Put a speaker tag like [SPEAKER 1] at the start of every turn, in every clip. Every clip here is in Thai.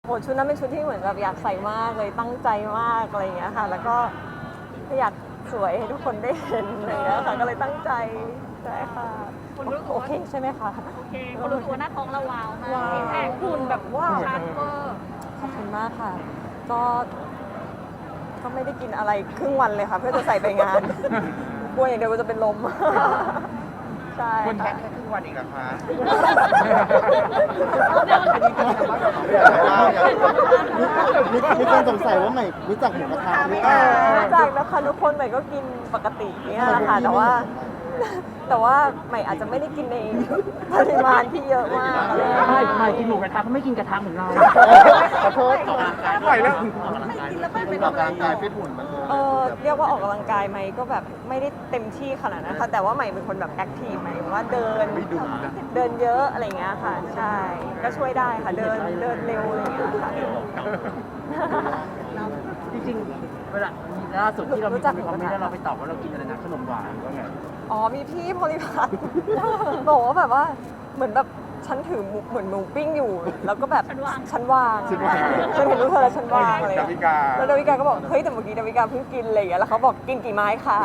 [SPEAKER 1] โหชุดนั้นเป็นชุดที่เหมือนแบบอยากใส่มากเลยตั้งใจมากอะไรอย่างเงี้ยค่ะแล้วก็อยากสวยให้ทุกคนได้เห็นอะไรอย่างเงี้ยค่ะก็เลยตั้งใจใช่ค่ะโอเคใช่ไหมคะ
[SPEAKER 2] โอเคคนรู้สึกว่าหน้าท้องเราว้าวมาก
[SPEAKER 1] ว้าว
[SPEAKER 2] ซิกแพคหุ่นแบบว้าวชัดเวอร์
[SPEAKER 1] ขอบคุณมากค่ะก็ไม่ได้กินอะไรครึ่งวันเลยค่ะ เพื่อจะใส่ไปงาน กลัวอย่างเดียวว่าจะเป็นลม ใช่
[SPEAKER 3] คุณแค่
[SPEAKER 1] ค่ะ
[SPEAKER 3] ครึ่งวันอีกเหรอคะ
[SPEAKER 4] มีคนสงสัยว่าใหม่รู้จักหมูกระทะหรือเปล่า
[SPEAKER 1] รู้จักนะคะทุกคนใหม่ก็กินปกติเนี่ยแหละค่ะแต่ว่าใหม่อาจจะไม่ได้กินในปริมาณที่เยอะมากอะไรอย่างเงี้ย
[SPEAKER 5] ไม่กินหมูกระทะเขาไม่กินกระทะเหมือนเรา
[SPEAKER 4] ขอโทษ
[SPEAKER 3] ปล่อยแล้ว
[SPEAKER 4] เป็นออกกำลังกายฟิตหุ่นมันเลย
[SPEAKER 1] เรียกว่าออกกำลังกายไหมก็แบบไม่ได้เต็มที่ขนาดนั้นค่ะแต่ว่าใหม่เป็นคนแบบแอคทีฟไหมายถึงว่าเดินเยอะอะไรอย่างเงี้ยค่ะใช่ก็ช่วยได้ค่ะเดินเร็วอะไรอย่างเงี้ยค่ะ
[SPEAKER 5] จริงๆเวลาล่าสุดที่เรามีคนคอมเมนต์แล้วเราไปตอบว่าเรากินอะไรนะขนมหวานว่าไง
[SPEAKER 1] อ๋อมีพี่โพลิพัท บอกว่าแบบว่าเหมือนแบบฉันถือเหมือนหมูปิ้งอยู่ แล้วก็แบบฉันวางฉันเห็นรูปเธอแล้วฉันวางอะไรอย่างเงี้ยแล้วดาวิกาก็บอกเฮ้ยแต่เมื่อกี้ดาวิกาเพิ่งกินอะไรอย่างเงี้ยแล้วเขาบอกกินกี่ไม้คะ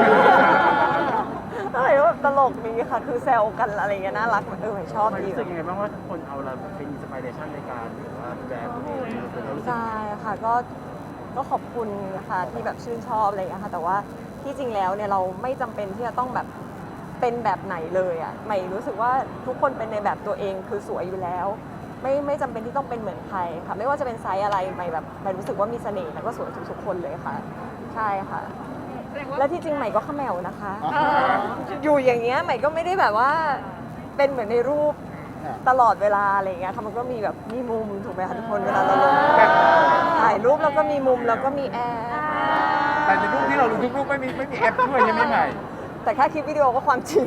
[SPEAKER 1] อะไรก็แบบตลกดีค่ะคือแซวกันอะไรอย่างเงี้ยน่ารักชอบ
[SPEAKER 5] มัน
[SPEAKER 1] ดี
[SPEAKER 5] รู้สึกยังไงบ้างว่าคนเอาเราเป็นอินสปิเรชันในการหรือว่าแบรนด์ตัวเองเรารู้สึก
[SPEAKER 1] ใช่ค่ะก็ขอบคุณนะคะที่แบบชื่นชอบอะไรอย่างเงี้ยค่ะแต่ว่าที่จริงแล้วเนี่ยเราไม่จำเป็นที่จะต้องแบบเป็นแบบไหนเลยอ่ะใหม่รู้สึกว่าทุกคนเป็นในแบบตัวเองคือสวยอยู่แล้ว ไม่จำเป็นที่ต้องเป็นเหมือนใครค่ะไม่ว่าจะเป็นไซส์อะไรใหม่รู้สึกว่ามีเสน่ห์แล้วก็สวยทุกๆคนเลยค่ะใช่ค่ะ
[SPEAKER 2] แสดงว่า
[SPEAKER 1] และที่จริงใหม่ก็เขมวนะคะ อยู่อย่างเงี้ยใหม่ก็ไม่ได้แบบว่าเป็นเหมือนในรูปตลอดเวลาอะไรอย่างเงี้ยค่ะมันก็มีแบบมีมุมถูกไหมคะทุกคนเวลาเราลงถ่ายรูปแล้วก็มีมุมแล้วก็มีแอร์
[SPEAKER 3] แต่ในรูปที่เราลงทุกรูปไม่มีแอปด้วยยังไม่ใหม่
[SPEAKER 1] แต่แค่คลิปวิดีโอก็ความจริง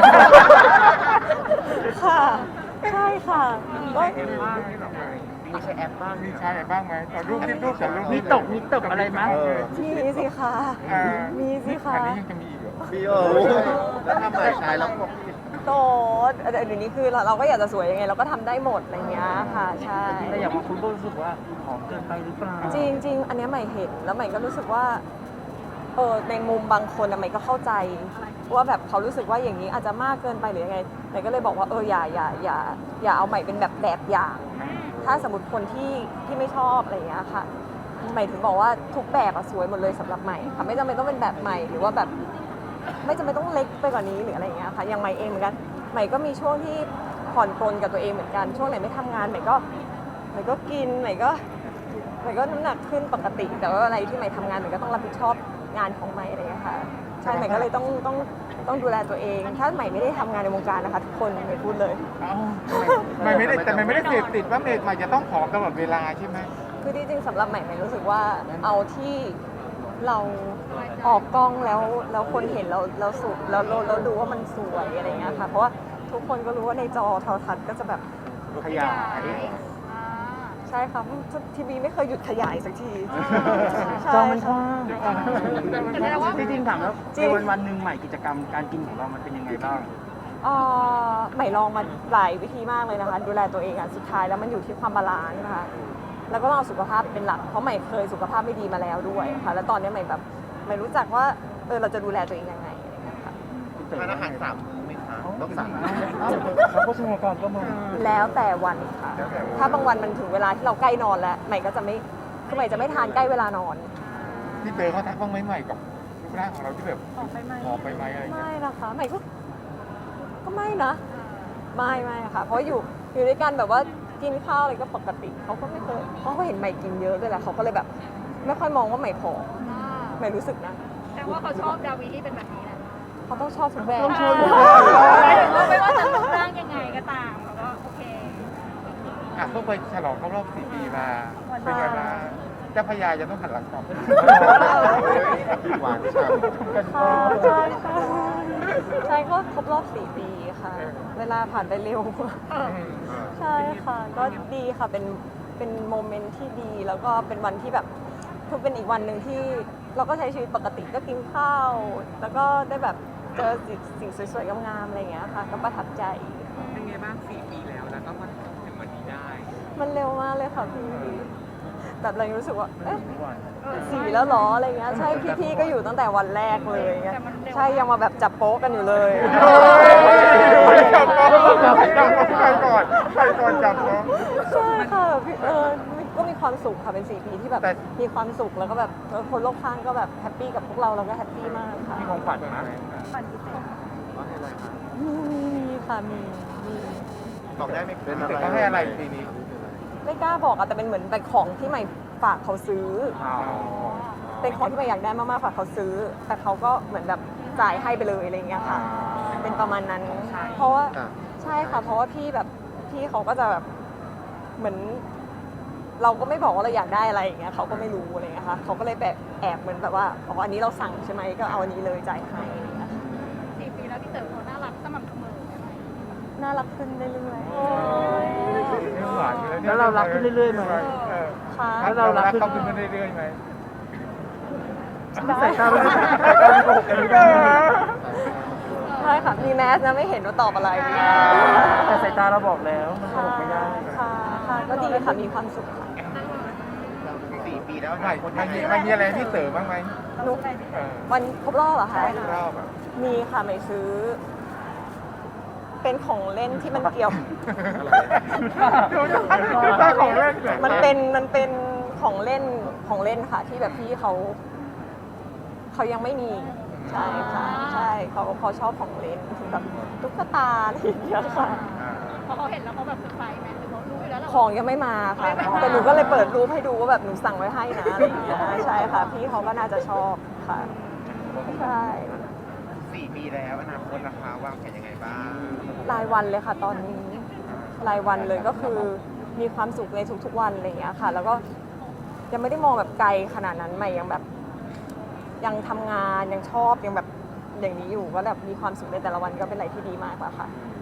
[SPEAKER 1] ค่ะใช่ค่ะก็
[SPEAKER 5] มีใช้แอปบ้าง
[SPEAKER 3] มีใช้อะไรบ้างไหมตอนรูปที่รูปกับรูป
[SPEAKER 5] มีตกอะไรไหม
[SPEAKER 1] มีสิคะมีสิคะ
[SPEAKER 3] อันนี้ยังจะมีอีกเหรอ
[SPEAKER 4] พี่แล้วทำใหม่ใช้แล้วพวกพี่
[SPEAKER 1] โตเดี๋ยวนี้คือเราก็อยากจะสวยยังไงเราก็ทำได้หมดอะไรเงี้ยค่ะใช่
[SPEAKER 5] แต่อย่างบางคนก็รู้สึกว่าผอมเกินไปหรือเปล่า
[SPEAKER 1] จริง ๆ อันเนี้ยใหม่เห็นแล้วใหม่ก็รู้สึกว่าในมุมบางคนอะใหม่ก็เข้าใจว่าแบบเขารู้สึกว่าอย่างนี้อาจจะมากเกินไปหรือยังไงใหม่ก็เลยบอกว่าอย่าเอาใหม่เป็นแบบอย่าง ถ้าสมมติคนที่ไม่ชอบอะไรอย่างเงี้ยค่ะใหม่ถึงบอกว่าทุกแบบอะสวยหมดเลยสำหรับใหม่ค่ะไม่จำเป็นต้องเป็นแบบใหม่หรือว่าแบบไม่จำเป็นต้องเล็กไปกว่านี้หรืออะไรอย่างเงี้ยค่ะอย่างใหม่เองเหมือนกันใหม่ก็มีช่วงที่ผ่อนปลนกับตัวเองเหมือนกันช่วงไหนไม่ทำงานใหม่ก็กินใหม่ก็น้ำหนักขึ้นปกติ แต่ว่าอะไรที่ใหม่ทำงานใหม่ก็ต้องรับผิดชอบงานของใหม่อะไรอย่างเงี้ยค่ะใช่ใหม่ก็เลยต้องดูแลตัวเอง ถ้าใหม่ไม่ได้ทำงานในวงการนะคะทุกคนใหม่พูดเลย
[SPEAKER 3] ไม่ได้เสพติดว่าเมย์ใหม่จะต้องผอมตลอดเวลาใช่ไหม
[SPEAKER 1] คือที่จริงสำหรับใหม่รู้สึกว่าเอาที่เราออกกล้องแล้วคนเห็นเราสุดแล้วดูว่ามันสวยอะไรเงี้ยค่ะเพราะว่าทุกคนก็รู้ว่าในจอโทรทัศน์ก็จะแบบ
[SPEAKER 3] ขยาย
[SPEAKER 1] ใช่ค่ะทีวีไม่เคยหยุดขยายสักทีใช่
[SPEAKER 5] จอมันก
[SPEAKER 1] ค่ะ
[SPEAKER 5] ว้างจริงๆถามแล้วในวันหนึ่งใหม่กิจกรรมการกินของเรามันเป็นยังไงบ้าง
[SPEAKER 1] ใหม่ลองมาหลายวิธีมากเลยนะคะดูแลตัวเองสุดท้ายแล้วมันอยู่ที่ความบาลานซ์นะคะแล้วก็ต้องเอาสุขภาพเป็นหลักเพราะใหม่เคยสุขภาพไม่ดีมาแล้วด้วยค่ะแล้วตอนนี้ใหม่รู้จักว่าเราจะดูแลตัวเองยังไงอะไรอย่างเงี้ยค่ะ
[SPEAKER 4] ทานอาหาร3 มื้อไหมคะต้องสั่ง
[SPEAKER 5] เขาก็ชงกรก็มา
[SPEAKER 1] แล้วแต่วันค่ะ ถ้าบางวันมันถึงเวลาที่เราใกล้นอนแล้วใหม่ก็จะไม่คือใหม่จะไม่ทานใกล้เวลา นอน
[SPEAKER 3] ที่เจอเขาทักบ้างไหมใหม่กับรูปร่างของเราที่แบบ
[SPEAKER 2] ออกไปไหม
[SPEAKER 3] ผอมไปไหมอะไรอย่างเงี้ย
[SPEAKER 1] ไม่นะคะใหม่ก็ไม่นะไม่ค่ะ เพราะอยู่ด้วยกันแบบว่ากินข้าวอะไรก็ปกติเขาก็ไม่เคยเขาก็เห็นใหม่กินเยอะด้วยแหละเขาก็เลยแบบ ไม่ค่อยมองว่าใหม่ผอมใหม่รู้สึกนะ
[SPEAKER 2] แต่ว่าเขาชอบดาวีที่เป็นแบบนี้แหละ
[SPEAKER 1] เขาต้องชอบทุกแบบ
[SPEAKER 2] ไม่ว่าจะรูปร่างยังไงก็ตามแล้วก็โอเค
[SPEAKER 3] เพิ่งไปฉลองครบรอบ4 ปีมาเป็นไงบ้างเจ้าพญาจะต้องหันหลังกลับ
[SPEAKER 4] หวานฉ่ำ
[SPEAKER 1] ใช่ก็ครบรอบ4 ปีค่ะ เวลาผ่านไปเร็ว ใช่ค่ะก็ดีค่ะเป็นโมเมนต์ที่ดีแล้วก็เป็นวันที่แบบคือเป็นอีกวันหนึ่งที่เราก็ใช้ชีวิตปกติก็กินข้าวแล้วก็ได้แบบเจอสิ่งสวยๆงามๆอะไรอย่างเงี้ยค่ะก็ประทับใจ
[SPEAKER 6] เป็นไงบ้าง4 ปีแล้วก็มาถึงวันนี้ได้
[SPEAKER 1] มันเร็วมากเลยค่ะพี่แบบเรายังรู้สึกว่าเอ๊ะ4แล้วเหรออะไรเงี้ยใช่พี่ๆก็อยู่ตั้งแต่วันแรกเลยเงี้ยใช่ยังมาแบบจับโป๊ะกันอยู่เลย
[SPEAKER 3] จับน้องใครก่อนจับน้อง
[SPEAKER 1] ใช่ค่ะก็มีความสุขค่ะเป็น4 ปีที่แบบ
[SPEAKER 3] แต่
[SPEAKER 1] มีความสุขแล้วก็แบบคนรอบข้างก็แบบแฮปปี้กับพวกเราก็แฮปปี้มากค่ะ
[SPEAKER 3] มีของขวัญนะ
[SPEAKER 1] มีค่ะมี
[SPEAKER 4] บอกได้ไหม
[SPEAKER 3] เป็นเขาให้อะไรปีนี้
[SPEAKER 1] ไม่กล้าบอกอะแต่เป็นเหมือนเป็นของที่ใหม่ฝากเขาซื้อ เป็นของที่ใหม่อยากได้มากๆฝากเขาซื้อ แต่เขาก็เหมือนแบบจ่ายให้ไปเลยอะไรอย่างเงี้ยค่ะ เป็นประมาณนั้น เพราะว่าใช่ค่ะ เพราะว่าพี่เขาก็จะแบบเหมือน เราก็ไม่บอกว่าเราอยากได้อะไรอย่างเงี้ยเขาก็ไม่รู้อะไรอย่างเงี้ยค่ะเขาก็เลยแบบแอบเหมือนแบบว่าอ๋ออันนี้เราสั่งใช่ไหมก็เอาอันนี้เลยจ่ายให้อะไรอย่างเงี้ยค่ะ
[SPEAKER 2] 4 ปีแล้วพี่เต๋อเขาน่ารักสม่ำเสมอไหม
[SPEAKER 1] น่ารักขึ้นเรื่อย
[SPEAKER 3] ไม่หวานอยู่แล้วเนี่ย
[SPEAKER 5] แล้วเรารักขึ้นเรื่อยๆไหม
[SPEAKER 1] ๆค่ะ
[SPEAKER 3] แล้วเรารักเขาขึ้นเรื่อยๆไหม
[SPEAKER 1] ได้
[SPEAKER 5] ใส่ตาไม่ได้ใส่ตาไม่โกหกกันไม่ได้
[SPEAKER 1] ใช่ค่ะมีแมสนะไม่เห็นว่าตอบอะไร
[SPEAKER 5] แต่สายตาเราบอกแล้วมันโกหกไม่ได้
[SPEAKER 1] ค่ะค่ะก็ดีค่ะมีความสุขค่ะ
[SPEAKER 4] 4 ปีแล้ว
[SPEAKER 3] มันมีอะไรให้พี่เต๋อบ้างไหม
[SPEAKER 1] นุกวันครบรอบเหรอคะ
[SPEAKER 3] รอบอ่ะ
[SPEAKER 1] มีค่ะไม่ซื้อ เป็นของเล่นที่มันเกี่ยว
[SPEAKER 3] ดูตาของเล่นเหรอ
[SPEAKER 1] มันเป็นของเล่นค่ะ ที่แบบพี่เขายังไม่มีใช่ค่ะใช่เขาชอบของเล่นแบบตุ๊กตาอะไรอย่างเงี้ยค่ะ
[SPEAKER 2] พอเขาเห็นแล้วเขาแบบเซอร์ไพรส์ไหมหรือเขารู้อยู่แล้วแหละ
[SPEAKER 1] ของยังไม่มาค่ะแต่หนูก็เลยเปิดรูปให้ดูว่าแบบหนูสั่งไว้ให้นะอะไรอย่างเงี้ยใช่ค่ะ พี่เขาก็น่าจะชอบค่ะใช่
[SPEAKER 4] 4 ปีแล้วอนาคตนะคะวางแผนยังไงบ้าง
[SPEAKER 1] รายวันเลยค่ะตอนนี้รายวันเลยก็คือมีความสุขในทุกๆวันอะไรอย่างเงี้ยค่ะ แล้วก็ยังไม่ได้มองแบบไกลขนาดนั้นใหม่ยังแบบยังทำงานยังชอบยังแบบอย่างนี้อยู่ก็แบบมีความสุขในแต่ละวันก็เป็นอะไรที่ดีมากกว่าค่ะ
[SPEAKER 4] อ